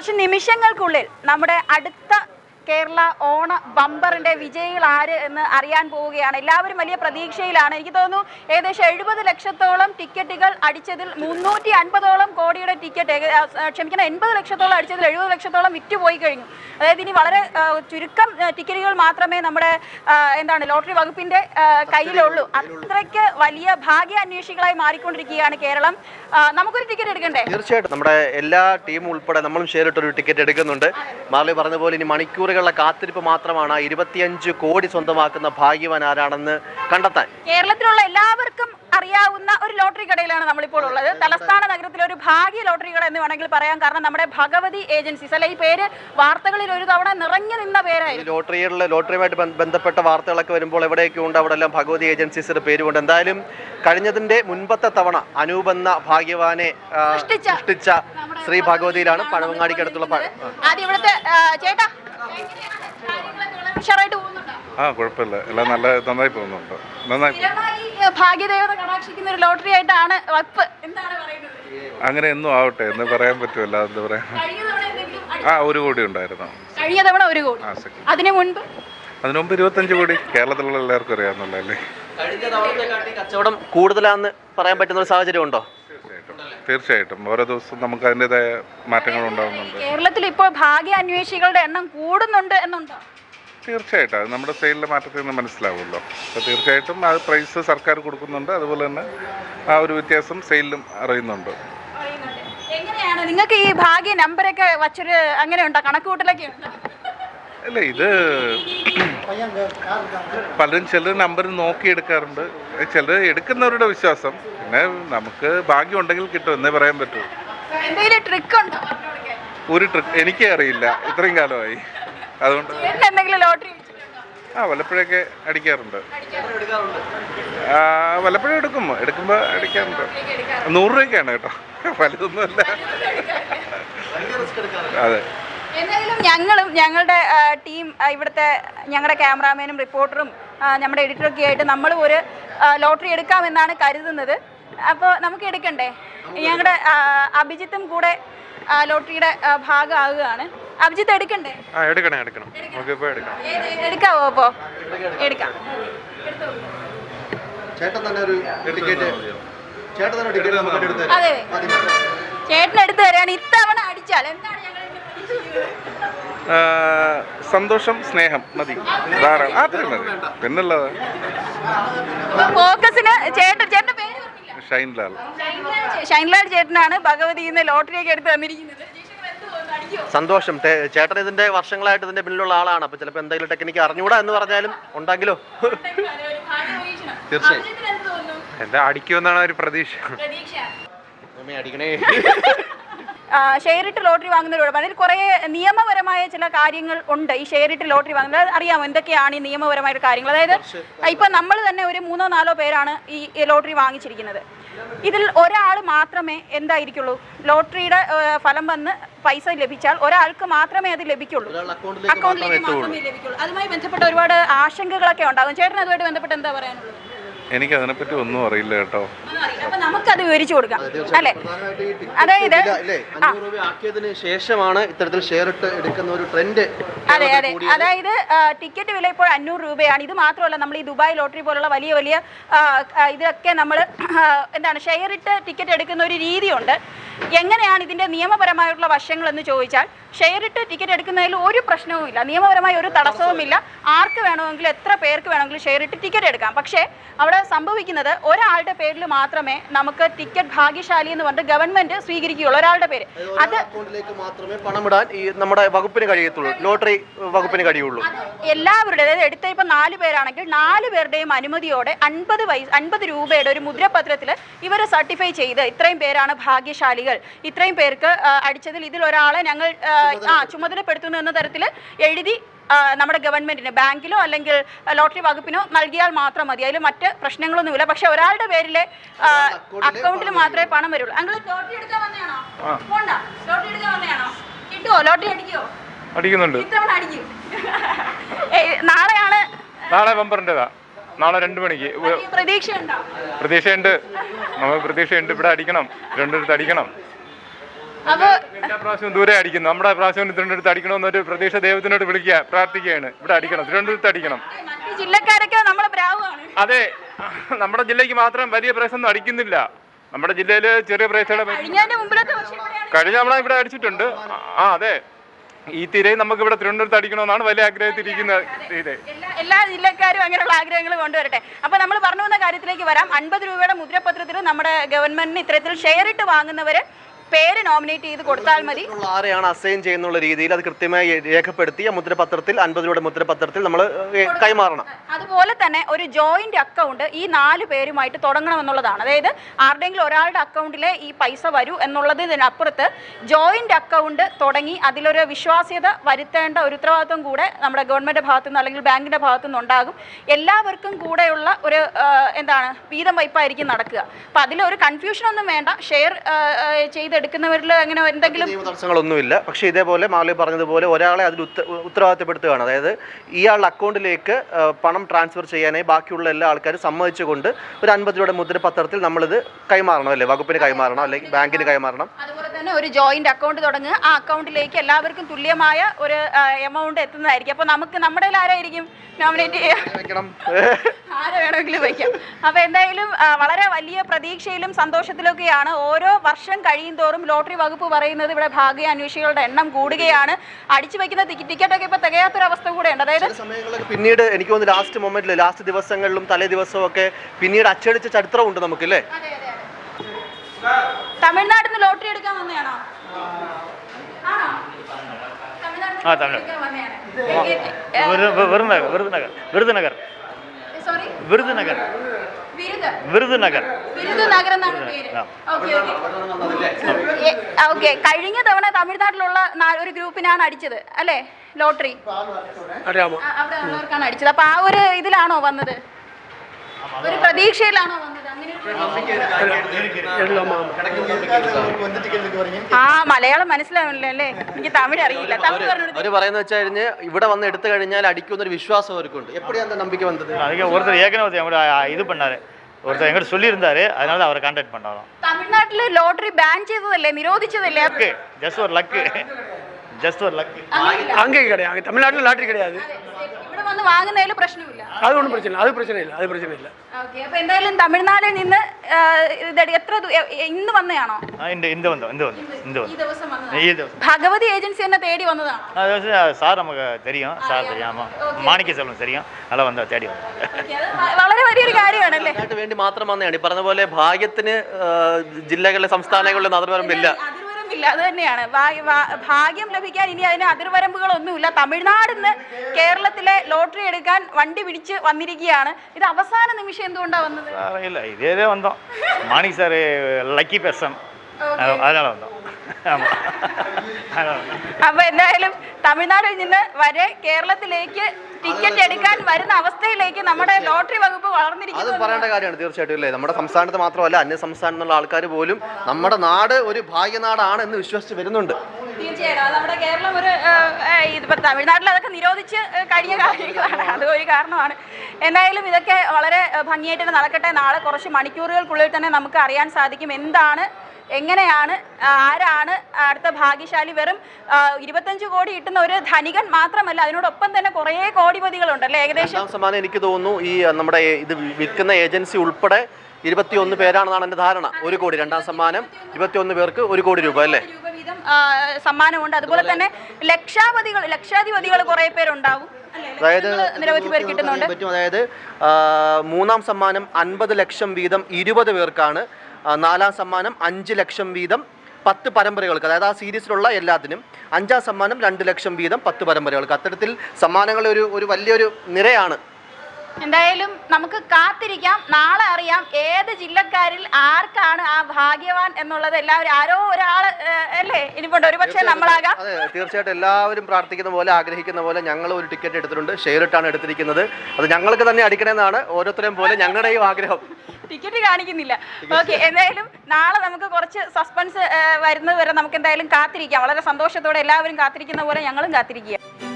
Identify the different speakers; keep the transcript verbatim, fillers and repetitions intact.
Speaker 1: കുറച്ച് നിമിഷങ്ങൾക്കുള്ളിൽ നമ്മുടെ അടുത്ത കേരള ഓണ ബമ്പറിന്റെ വിജയികൾ ആര് എന്ന് അറിയാൻ പോവുകയാണ്. എല്ലാവരും വലിയ പ്രതീക്ഷയിലാണ്. എനിക്ക് തോന്നുന്നു ഏകദേശം എഴുപത് ലക്ഷത്തോളം ടിക്കറ്റുകൾ അടിച്ചതിൽ മുന്നൂറ്റി അൻപതോളം കോടിയുടെ ടിക്കറ്റ് ക്ഷമിക്കണം എൺപത് ലക്ഷത്തോളം അടിച്ചതിൽ എഴുപത് ലക്ഷത്തോളം വിറ്റുപോയി കഴിഞ്ഞു. അതായത് ഇനി വളരെ ചുരുക്കം ടിക്കറ്റുകൾ മാത്രമേ നമ്മുടെ എന്താണ് ലോട്ടറി വകുപ്പിന്റെ കയ്യിലുള്ളൂ. അത്രയ്ക്ക് വലിയ ഭാഗ്യാന്വേഷികളായി മാറിക്കൊണ്ടിരിക്കുകയാണ് കേരളം. നമുക്കൊരു ടിക്കറ്റ് എടുക്കണ്ടേ?
Speaker 2: തീർച്ചയായിട്ടും നമ്മുടെ എല്ലാ ടീമും ഉൾപ്പെടെ നമ്മളും ഷെയർ ഇട്ടൊരു ടിക്കറ്റ് എടുക്കുന്നുണ്ട്. മാർലി പറഞ്ഞ പോലെ ഇനി മണിക്കൂറുകളുടെ കാത്തിരിപ്പ് മാത്രമാണ് ഇരുപത്തിയഞ്ച് കോടി സ്വന്തമാക്കുന്ന ഭാഗ്യവാൻ ആരാണെന്ന് കണ്ടെത്താൻ.
Speaker 1: കേരളത്തിലുള്ള എല്ലാവർക്കും അറിയാവുന്ന ഒരു ലോട്ടറി കടയിലാണ് നമ്മളിപ്പോൾ ഉള്ളത്. തലസ്ഥാന നഗരത്തിലെ ഒരു ഭാഗ്യ ലോട്ടറി കട എന്ന് വേണമെങ്കിൽ പറയാം. കാരണം നമ്മുടെ ഭഗവതി ഏജൻസീസ് അല്ലെ, ഈ പേര് വാർത്തകളിൽ ഒരു തവണ നിറഞ്ഞു നിന്ന പേരായിരുന്നു.
Speaker 2: ലോട്ടറികളിലെ ലോട്ടറിയുമായിട്ട് ബന്ധപ്പെട്ട വാർത്തകളൊക്കെ വരുമ്പോൾ എവിടെയൊക്കെ ഉണ്ട് അവിടെ എല്ലാം ഭഗവതി ഏജൻസീസിന്റെ പേരുകൊണ്ട്. എന്തായാലും കഴിഞ്ഞതിന്റെ മുൻപത്തെ തവണ അനൂപ് എന്ന ഭാഗ്യവാനെ സൃഷ്ടിച്ച ശ്രീ ഭഗവതിയിലാണ് പഴവങ്ങാടിക്കടുത്തുള്ള.
Speaker 1: ആദ്യം ഇവിടുത്തെ ചേട്ടാ
Speaker 3: ആ കുഴപ്പമില്ല, എല്ലാം നല്ല നന്നായി പോകുന്നുണ്ട്. നന്നായി
Speaker 1: ഭാഗ്യദേവത കടാക്ഷിക്കുന്ന ഒരു ലോട്ടറി ആയിട്ടാണ് വകുപ്പ്. എന്താണ് പറയുന്നത്?
Speaker 3: അങ്ങനെ എന്നും ആവട്ടെ എന്ന് പറയാൻ പറ്റുമല്ല. എന്താ പറയാ, ആ ഒരു കോടി ഉണ്ടായിരുന്നു
Speaker 1: കഴിഞ്ഞ തവണ. ഒരു കോടി. അതിനു മുൻപ്
Speaker 3: അതിനു മുമ്പ് ഇരുപത്തഞ്ച് കോടി. കേരളത്തിലുള്ള എല്ലാവർക്കും അറിയാവുന്നല്ലേ.
Speaker 2: കഴിഞ്ഞ തവണത്തെക്കാട്ടി കച്ചവടം കൂടുതലാന്ന് പറയാൻ പറ്റുന്ന ഒരു സാഹചര്യം ഉണ്ടോ?
Speaker 3: തീർച്ചയായിട്ടും ഓരോ ദിവസവും നമുക്ക് അതിൻ്റെതായ മാറ്റങ്ങൾ ഉണ്ടാകുന്നുണ്ട്.
Speaker 1: കേരളത്തിൽ ഇപ്പോൾ ഭാഗ്യ അന്വേഷികളുടെ എണ്ണം കൂടുന്നുണ്ട് എന്നുണ്ടോ?
Speaker 3: തീർച്ചയായിട്ടും അത് നമ്മുടെ സെയിലിലെ മാറ്റത്തിൽ നിന്ന് മനസ്സിലാവുമല്ലോ. അപ്പോൾ തീർച്ചയായിട്ടും ആ പ്രൈസ് സർക്കാർ കൊടുക്കുന്നുണ്ട്. അതുപോലെ തന്നെ ആ ഒരു വ്യത്യാസം സെയിലിലും അറിയുന്നുണ്ട്.
Speaker 1: എങ്ങനെയാണ് നിങ്ങൾക്ക് ഈ ഭാഗ്യ നമ്പറൊക്കെ വച്ചൊരു അങ്ങനെ ഉണ്ടോ, കണക്കുകൂട്ടലൊക്കെ ഉണ്ടോ?
Speaker 3: അല്ല, ഇത് പലരും ചിലർ നമ്പർ നോക്കി എടുക്കാറുണ്ട്. ചിലർ എടുക്കുന്നവരുടെ വിശ്വാസം. പിന്നെ നമുക്ക് ഭാഗ്യം ഉണ്ടെങ്കിൽ കിട്ടും എന്നേ പറയാൻ പറ്റൂ. ഒരു ട്രിക്ക് എനിക്കേ അറിയില്ല, ഇത്രയും കാലമായി. അതുകൊണ്ട് ആ വല്ലപ്പോഴൊക്കെ അടിക്കാറുണ്ട്. വല്ലപ്പോഴും എടുക്കും എടുക്കുമ്പോൾ അടിക്കാറുണ്ട്. നൂറ് രൂപയ്ക്കാണ് കേട്ടോ, വലുതൊന്നുമല്ല. അതെ.
Speaker 1: എന്തായാലും ഞങ്ങളും ഞങ്ങളുടെ ടീം, ഇവിടുത്തെ ഞങ്ങളുടെ ക്യാമറാമാനും റിപ്പോർട്ടറും നമ്മുടെ എഡിറ്ററൊക്കെ ആയിട്ട് നമ്മൾ ഒരു ലോട്ടറി എടുക്കാമെന്നാണ് കരുതുന്നത്. അപ്പോൾ നമുക്ക് എടുക്കണ്ടേ? ഞങ്ങളുടെ അഭിജിത്തും കൂടെ ലോട്ടറിയുടെ ഭാഗമാകുകയാണ്. അഭിജിത്ത് എടുക്കണ്ടേ?
Speaker 3: എടുക്കണം എടുക്കണം
Speaker 1: എടുക്കാവോ? അപ്പോൾ എടുക്കാം. അതെ, ചേട്ടൻ എടുത്തു തരാണ്. ഇത്തവണ അടിച്ചാൽ എന്താണ് ഞങ്ങൾ
Speaker 3: സന്തോഷം, സ്നേഹം മതി, ധാരാളം. അത്രയും മതി. പിന്നുള്ളത്
Speaker 1: ഫോക്കസിന് ചേട്ടൻ ചേട്ടന്റെ പേര്
Speaker 3: ഷൈൻലാൽ.
Speaker 1: ഷൈൻലാൽ ചേട്ടനാണ് ഭഗവതിന്ന് ലോട്ടറിയൊക്കെ എടുത്ത് തന്നിരിക്കുന്നത്.
Speaker 2: സന്തോഷം. ചേട്ടൻ ഇതിന്റെ വർഷങ്ങളായിട്ട് ഇതിന്റെ പിന്നിലുള്ള ആളാണ്. അപ്പൊ ചിലപ്പോൾ എന്തെങ്കിലും ടെക്നിക്ക് അറിഞ്ഞുകൂടാ എന്ന് പറഞ്ഞാലും ഉണ്ടെങ്കിലോ തീർച്ചയായും
Speaker 3: എന്താ അടിക്കുമെന്നാണ് ഒരു പ്രതീക്ഷ.
Speaker 2: അടിക്കണേ.
Speaker 1: ഷെയറിട്ട് ലോട്ടറി വാങ്ങുന്നതിലൂടെ അതിൽ കുറേ നിയമപരമായ ചില കാര്യങ്ങൾ ഉണ്ട്. ഈ ഷെയറിട്ട് ലോട്ടറി വാങ്ങുന്നത് അറിയാമോ എന്തൊക്കെയാണ് ഈ നിയമപരമായിട്ട് കാര്യങ്ങൾ? അതായത് ഇപ്പൊ നമ്മൾ തന്നെ ഒരു മൂന്നോ നാലോ പേരാണ് ഈ ലോട്ടറി വാങ്ങിച്ചിരിക്കുന്നത്. ഇതിൽ ഒരാൾ മാത്രമേ എന്തായിരിക്കുള്ളൂ, ലോട്ടറിയുടെ ഫലം വന്ന് പൈസ ലഭിച്ചാൽ ഒരാൾക്ക് മാത്രമേ അത് ലഭിക്കുള്ളൂ, അക്കൗണ്ടിലേക്ക് മാത്രമേ ലഭിക്കുള്ളൂ. അതുമായി ബന്ധപ്പെട്ട ഒരുപാട് ആശങ്കകളൊക്കെ ഉണ്ടാകും. ചേട്ടൻ അതുമായിട്ട് ബന്ധപ്പെട്ട് എന്താ പറയാനുള്ളത്?
Speaker 3: എനിക്ക് അതിനെപ്പറ്റി ഒന്നും അറിയില്ല കേട്ടോ.
Speaker 1: അപ്പൊ നമുക്കത് വിവരിച്ചു കൊടുക്കാം അല്ലേ? അതായത്
Speaker 2: ശേഷമാണ് ഇത്തരത്തിൽ ഷെയർ ഇട്ട് എടുക്കുന്ന ഒരു ട്രെൻഡ്.
Speaker 1: അതെ അതെ അതായത് ടിക്കറ്റ് വില ഇപ്പോൾ അഞ്ഞൂറ് രൂപയാണ്. ഇത് മാത്രമല്ല, നമ്മൾ ഈ ദുബായ് ലോട്ടറി പോലുള്ള വലിയ വലിയ ഇതൊക്കെ നമ്മൾ എന്താണ് ഷെയർ ഇട്ട് ടിക്കറ്റ് എടുക്കുന്ന ഒരു രീതിയുണ്ട്. എങ്ങനെയാണ് ഇതിൻ്റെ നിയമപരമായിട്ടുള്ള വശങ്ങൾ എന്ന് ചോദിച്ചാൽ, ഷെയർ ഇട്ട് ടിക്കറ്റ് എടുക്കുന്നതിൽ ഒരു പ്രശ്നവുമില്ല, നിയമപരമായ ഒരു തടസ്സവുമില്ല. ആർക്ക് വേണമെങ്കിലും എത്ര പേർക്ക് വേണമെങ്കിലും ഷെയർ ഇട്ട് ടിക്കറ്റ് എടുക്കാം. പക്ഷേ അവിടെ സംഭവിക്കുന്നത് ഒരാളുടെ പേരിൽ മാത്രമേ നമുക്ക് ടിക്കറ്റ് ഭാഗ്യശാലി എന്ന് പറഞ്ഞിട്ട് ഗവൺമെന്റ് സ്വീകരിക്കുകയുള്ളൂ, ഒരാളുടെ പേര്. അത്
Speaker 2: മാത്രമേ പണം ഇടാൻ ഈ നമ്മുടെ വകുപ്പിന് കഴിയത്തുള്ളൂ, ലോട്ടറി വകുപ്പിന് കഴിയുള്ളൂ.
Speaker 1: എല്ലാവരുടെ, അതായത് എടുത്ത ഇപ്പൊ നാല് പേരാണെങ്കിൽ നാല് പേരുടെയും അനുമതിയോടെ അൻപത് പൈസ അൻപത് രൂപയുടെ ഒരു മുദ്രപത്രത്തിൽ ഇവർ സർട്ടിഫൈ ചെയ്ത് ഇത്രയും പേരാണ് ഭാഗ്യശാലികൾ, ഇത്രയും പേർക്ക് അടിച്ചതിൽ ഇതിൽ ഒരാളെ ഞങ്ങൾ ആ ചുമതലപ്പെടുത്തുന്നു എന്ന തരത്തിൽ എഴുതി നമ്മുടെ ഗവൺമെന്റിന്, ബാങ്കിലോ അല്ലെങ്കിൽ ലോട്ടറി വകുപ്പിനോ നൽകിയാൽ മാത്രം മതി. അതിൽ മറ്റ് പ്രശ്നങ്ങളൊന്നുമില്ല. പക്ഷെ ഒരാളുടെ പേരിലെ അക്കൗണ്ടിൽ മാത്രമേ പണം വരുള്ളൂ. അങ്ങൾ ലോട്ടറി എടുക്കാൻ വന്നതാണോ? പോണ്ട, ലോട്ടറി എടുക്കാൻ വന്നതാണോ? കിട്ടുമോ? ലോട്ടറി അടിക്കുമോ?
Speaker 4: അടിക്കുന്നുണ്ട്.
Speaker 1: ഇത്തവണ അടിക്കും. നാളെയാണ്,
Speaker 4: നാളെ ബമ്പറിൻ്റെതാ. നാളെ രണ്ട് മണിക്ക്.
Speaker 1: പ്രതീക്ഷയുണ്ടോ?
Speaker 4: പ്രതീക്ഷയുണ്ട്, നമുക്ക് പ്രതീക്ഷയുണ്ട്. ഇവിടെ അടിക്കണം, രണ്ടിടത്ത് അടിക്കണം.
Speaker 1: അപ്പൊ
Speaker 4: എല്ലാ പ്രാവശ്യവും ദൂരെ അടിക്കുന്നു. നമ്മുടെ പ്രാവശ്യം തിരുവനന്തപുരത്ത് അടിക്കണമെന്നൊരു പ്രതീക്ഷ ദൈവത്തിനോട് വിളിക്കുക, പ്രാർത്ഥിക്കുകയാണ്. ഇവിടെ അടിക്കണം, തിരുവനന്തപുരത്ത് അടിക്കണം.
Speaker 1: മറ്റു ജില്ലക്കാരൊക്കെ നമ്മളെ ബ്രാവാണ്.
Speaker 4: അതെ, നമ്മുടെ ജില്ലയ്ക്ക് മാത്രം വലിയ പ്രൈസ് ഒന്നും അടിക്കുന്നില്ല. നമ്മുടെ ജില്ലയിൽ ചെറിയ പ്രൈസുകളെ
Speaker 1: കഴിഞ്ഞതിന്റെ മുമ്പിലത്തെ വർഷം ഇവിടെയാണ്
Speaker 4: കഴിഞ്ഞ നമ്മളെ ഇവിടെ അടിച്ചിട്ടുണ്ട്. ആ അതെ, ഈ തിരയും നമുക്ക് ഇവിടെ തിരുവനന്തപുരത്ത് അടിക്കണമെന്നാണ് വലിയ ആഗ്രഹത്തിരിക്കുന്ന ഇത്.
Speaker 1: എല്ലാ എല്ലാ ജില്ലക്കാരും അങ്ങനെയുള്ള ആഗ്രഹങ്ങൾ കൊണ്ടുവരട്ടെ. അപ്പൊ നമ്മൾ പറഞ്ഞു വന്ന കാര്യത്തിലേക്ക് വരാം. അൻപത് രൂപയുടെ മുദ്രപത്രത്തിൽ നമ്മുടെ ഗവൺമെന്റിന് ഇത്തരത്തിൽ ഷെയർ ഇട്ട് വാങ്ങുന്നവര് പേര് നോമിനേറ്റ് ചെയ്ത് കൊടുത്താൽ മതി.
Speaker 2: ആരെയാണ് അസൈൻ ചെയ്യുന്നുള്ള രീതിയിൽ അത് കൃത്യമായി രേഖപ്പെടുത്തി ആ മുദ്രപത്രത്തിൽ അൻപത് രൂപയുടെ മുദ്രപത്രത്തിൽ നമ്മൾ കൈമാറണം.
Speaker 1: അതുപോലെ തന്നെ ഒരു ജോയിന്റ് അക്കൗണ്ട് ഈ നാല് പേരുമായിട്ട് തുടങ്ങണമെന്നുള്ളതാണ്. അതായത് ആരുടെയെങ്കിലും ഒരാളുടെ അക്കൗണ്ടിലെ ഈ പൈസ വരൂ എന്നുള്ളതിനപ്പുറത്ത് ജോയിന്റ് അക്കൗണ്ട് തുടങ്ങി അതിലൊരു വിശ്വാസ്യത വരുത്തേണ്ട ഒരു ഉത്തരവാദിത്വം കൂടെ നമ്മുടെ ഗവൺമെന്റ് ഭാഗത്തുനിന്ന് അല്ലെങ്കിൽ ബാങ്കിന്റെ ഭാഗത്തുനിന്ന് ഉണ്ടാകും. എല്ലാവർക്കും കൂടെയുള്ള ഒരു എന്താണ് വീതം വയ്പായിരിക്കും നടക്കുക. അപ്പൊ അതിലൊരു കൺഫ്യൂഷൻ ഒന്നും വേണ്ട. ഷെയർ ചെയ്ത് എടുക്കുന്നവരിൽ അങ്ങനെ എന്തെങ്കിലും
Speaker 2: തടസ്സങ്ങളൊന്നുമില്ല. പക്ഷേ ഇതേപോലെ മാളി പറഞ്ഞതുപോലെ ഒരാളെ അതിൽ ഉത്തരവാദിത്തപ്പെടുത്തുകയാണ്. അതായത് ഇയാളുടെ അക്കൗണ്ടിലേക്ക് പണം ട്രാൻസ്ഫർ ചെയ്യാനായി ബാക്കിയുള്ള എല്ലാ ആൾക്കാരും സമ്മതിച്ചുകൊണ്ട് ഒരു അൻപത് രൂപയുടെ മുദ്രപത്രത്തിൽ നമ്മളിത് കൈമാറണം, അല്ലേ? വകുപ്പിന് കൈമാറണം, അല്ലെങ്കിൽ ബാങ്കിന് കൈമാറണം.
Speaker 1: അതുപോലെ തന്നെ ഒരു ജോയിന്റ് അക്കൗണ്ട് തുടങ്ങുക. ആ അക്കൗണ്ടിലേക്ക് എല്ലാവർക്കും തുല്യമായ ഒരു എമൗണ്ട് എത്തുന്നതായിരിക്കും. അപ്പൊ നമുക്ക് നമ്മുടെ ആരായിരിക്കും നോമിനേറ്റ് ചെയ്യാം, ആരെ വേണമെങ്കിലും വയ്ക്കാം. അപ്പൊ എന്തായാലും വളരെ വലിയ പ്രതീക്ഷയിലും സന്തോഷത്തിലൊക്കെയാണ്. ഓരോ വർഷം കഴിയും തോറും ലോട്ടറി വകുപ്പ് പറയുന്നത് ഇവിടെ ഭാഗ്യാന്വേഷികളുടെ എണ്ണം കൂടുകയാണ്. അടിച്ചു വയ്ക്കുന്ന ടിക്കറ്റൊക്കെ ഇപ്പൊ തികയാത്തൊരവസ്ഥ കൂടെ ഉണ്ട്. അതായത്
Speaker 2: സമയങ്ങളിൽ പിന്നീട് എനിക്ക് തോന്നുന്നു ലാസ്റ്റ് മൊമെന്റിൽ ലാസ്റ്റ് ദിവസങ്ങളിലും തലേ ദിവസവും ഒക്കെ പിന്നീട് അച്ചടിച്ച ചരിത്രമുണ്ട് നമുക്കല്ലേ.
Speaker 1: തമിഴ്നാട്ടിൽ നിന്ന് ലോട്ടറി എടുക്കാൻ വന്നതാണോ?
Speaker 5: ആ തമിഴ് വിരുதுநகர் விருதுநகர் விருதுநகர் விருதுநகர் വിരുதுനഗർ
Speaker 1: വിരുதுനഗർ എന്നാണ് പേര്. ഓക്കെ, കഴിഞ്ഞ തവണ തമിഴ്നാട്ടിലുള്ള ഒരു ഗ്രൂപ്പിനാണ് അടിച്ചത് അല്ലേ ലോട്ടറി? അവിടെ ഉള്ളവർക്കാണ് അടിച്ചത്. അപ്പൊ ആ ഒരു ഇതിലാണോ വന്നത്? ഒരു പ്രതീക്ഷയിലാണോ വന്നത്? ആ മലയാളം മനസ്സിലാവില്ല അല്ലേ? എനിക്ക് തമിഴ് അറിയില്ല. തമിഴ്
Speaker 2: അവര് പറയുന്നത് വെച്ച് കഴിഞ്ഞ് ഇവിടെ വന്ന് എടുത്തു കഴിഞ്ഞാൽ അടിക്കുന്ന ഒരു വിശ്വാസം അവർക്കുണ്ട്. എപ്പോഴാണ് அந்த நம்பிக்கை வந்தது?
Speaker 5: ஒருத்தர் ஏற்கனவே இது பண்ணாரு, ஒருத்தர் எங்கிட்ட சொல்லியிருந்தாரு, அதனால அவரை கான்டாக்ட் பண்ணாராம்.
Speaker 1: തമിഴ്നാട്ടില് ലോട്ടറി ബാൻ ചെയ്തതല്ലേ, നിരോധിച്ചതല്ലേ?
Speaker 5: ஜஸ்ட் ஒரு லக்கு, ஜஸ்ட் ஒரு லக்கு.
Speaker 6: அங்கே கிடையாது, தமிழ்நாட்டில் லாட்டரி கிடையாது.
Speaker 1: ഇവിടെ വന്ന് വാങ്ങുന്നതിൽ പ്രശ്നമില്ല.
Speaker 6: அது ஒன்றும் பிரச்சனை இல்லை, அது பிரச்சனை இல்லை, அது பிரச்சனை இல்லை.
Speaker 1: ഓക്കെ, അപ്പൊ എന്തായാലും തമിഴ്നാട്ടിൽ നിന്ന് എത്ര ഇന്ന് വന്നതാണോ?
Speaker 5: இந்த வந்தோம் இந்த வந்தோம் இந்த
Speaker 1: ഈ ദിവസം വന്നതാണ്.
Speaker 5: ഈ ദിവസം
Speaker 1: ഭഗവതി ഏജൻസി എന്നെ തേടി വന്നതാണ്.
Speaker 5: സാർ നമുക്ക് தெரியும், സാർ தெரியாമ മാണിക്യ സെൽവം தெரியும், അല്ല വന്ന തേടി വന്നു.
Speaker 1: വളരെ വലിയൊരു കാര്യമാണല്ലേ.
Speaker 2: അതിനു വേണ്ടി മാത്രം വന്നതാണ്. ഈ പറഞ്ഞ പോലെ ഭാഗ്യത്തിന് ജില്ലകളിലെ സംസ്ഥാനങ്ങളിലെ അതിർവരമ്പില്ല.
Speaker 1: ഇല്ല, അത് തന്നെയാണ് ഭാഗ്യം ലഭിക്കാൻ. ഇനി അതിന് അതിർവരമ്പുകളൊന്നുമില്ല. തമിഴ്നാടിന്ന് കേരളത്തിലെ ലോട്ടറി എടുക്കാൻ വണ്ടി പിടിച്ച് വന്നിരിക്കുകയാണ്. ഇത് അവസാന നിമിഷം എന്തുകൊണ്ടാണ് വന്നത്?
Speaker 5: അറിയില്ല, ഇതേ വന്നോ മാണി സാറ് ലക്കി പേഴ്സൺ, അതിനാണ് വന്നോ.
Speaker 1: അപ്പൊ എന്തായാലും തമിഴ്നാട്ടിൽ നിന്ന് വരെ കേരളത്തിലേക്ക് ടിക്കറ്റ് എടുക്കാൻ വരുന്ന അവസ്ഥയിലേക്ക് നമ്മുടെ ലോട്ടറി വകുപ്പ് വളർന്നിരിക്കുന്നു.
Speaker 2: അത് പറയേണ്ട കാര്യമാണ് തീർച്ചയായിട്ടും, അല്ലേ? നമ്മുടെ സംസ്ഥാനത്ത് മാത്രമല്ല അന്യ സംസ്ഥാനത്തുള്ള ആൾക്കാർ പോലും നമ്മുടെ നാട് ഒരു ഭാഗ്യനാടാണ് എന്ന് വിശ്വസിച്ച് വരുന്നുണ്ട്.
Speaker 1: തീർച്ചയായിട്ടും അത് നമ്മുടെ കേരളം ഒരു ഇതിപ്പോ തമിഴ്നാട്ടിൽ അതൊക്കെ നിരോധിച്ച് കഴിഞ്ഞ കാര്യങ്ങളാണ്, അത് ഒരു കാരണമാണ്. എന്തായാലും ഇതൊക്കെ വളരെ ഭംഗിയായിട്ട് നടക്കട്ടെ. നാളെ കുറച്ച് മണിക്കൂറുകൾക്കുള്ളിൽ തന്നെ നമുക്ക് അറിയാൻ സാധിക്കും എന്താണ്, എങ്ങനെയാണ്, ആരാണ് അടുത്ത ഭാഗ്യശാലി. വെറും ഇരുപത്തഞ്ച് കോടി കിട്ടുന്ന ഒരു ധനികൻ മാത്രമല്ല, അതിനോടൊപ്പം തന്നെ കുറേ കോടിപതികളുണ്ടല്ലേ. ഏകദേശം
Speaker 2: സമ്മാനം എനിക്ക് തോന്നുന്നു ഈ നമ്മുടെ ഇത് വിൽക്കുന്ന ഏജൻസി ഉൾപ്പെടെ ഇരുപത്തിയൊന്ന് പേരാണെന്നാണ് എൻ്റെ ധാരണ. ഒരു കോടി രണ്ടാം സമ്മാനം, ഇരുപത്തിയൊന്ന് പേർക്ക് ഒരു കോടി രൂപ അല്ലേ
Speaker 1: രൂപ വീതം സമ്മാനമുണ്ട്. അതുപോലെ തന്നെ ലക്ഷാധിപതികൾ ലക്ഷാധിപതികൾ കുറേ പേരുണ്ടാവും.
Speaker 2: അതായത്
Speaker 1: നിരവധി പേർ കിട്ടുന്നുണ്ട്.
Speaker 2: അതായത് മൂന്നാം സമ്മാനം അൻപത് ലക്ഷം വീതം ഇരുപത് പേർക്കാണ്. നാലാം സമ്മാനം അഞ്ച് ലക്ഷം വീതം പത്ത് പരമ്പരകൾക്ക്, അതായത് ആ സീരീസിലുള്ള എല്ലാത്തിനും. അഞ്ചാം സമ്മാനം രണ്ട് ലക്ഷം വീതം പത്ത് പരമ്പരകൾക്ക്. അത്തരത്തിൽ സമ്മാനങ്ങൾ ഒരു ഒരു വലിയൊരു നിരയാണ്.
Speaker 1: എന്തായാലും നമുക്ക് കാത്തിരിക്കാം. നാളെ അറിയാം ഏത് ജില്ലക്കാരിൽ ആർക്കാണ് ആ ഭാഗ്യവാൻ എന്നുള്ളത്. എല്ലാവരും ആരോ ഒരാൾ അല്ലേ ഇനിപ്പോണ്ട്, ഒരു പക്ഷേ നമ്മളാകാം.
Speaker 2: അതെ, തീർച്ചയായിട്ടും എല്ലാവരും പ്രാർത്ഥിക്കുന്ന പോലെ ആഗ്രഹിക്കുന്ന പോലെ ഞങ്ങൾ ഒരു ടിക്കറ്റ് എടുത്തിട്ടുണ്ട്. ഷെയർ ഇട്ടാണ് എടുത്തിരിക്കുന്നത്. അത് ഞങ്ങൾക്ക് തന്നെ അടിക്കണമെന്നാണ് ഓരോരുത്തരെയും പോലെ ഞങ്ങളുടെയും ആഗ്രഹം.
Speaker 1: ടിക്കറ്റ് കാണിക്കുന്നില്ല. ഓക്കെ, എന്തായാലും നാളെ നമുക്ക് കുറച്ച് സസ്പെൻസ് വരുന്നത് വരെ നമുക്ക് എന്തായാലും കാത്തിരിക്കാം. വളരെ സന്തോഷത്തോടെ എല്ലാവരും കാത്തിരിക്കുന്ന പോലെ ഞങ്ങളും കാത്തിരിക്കുക.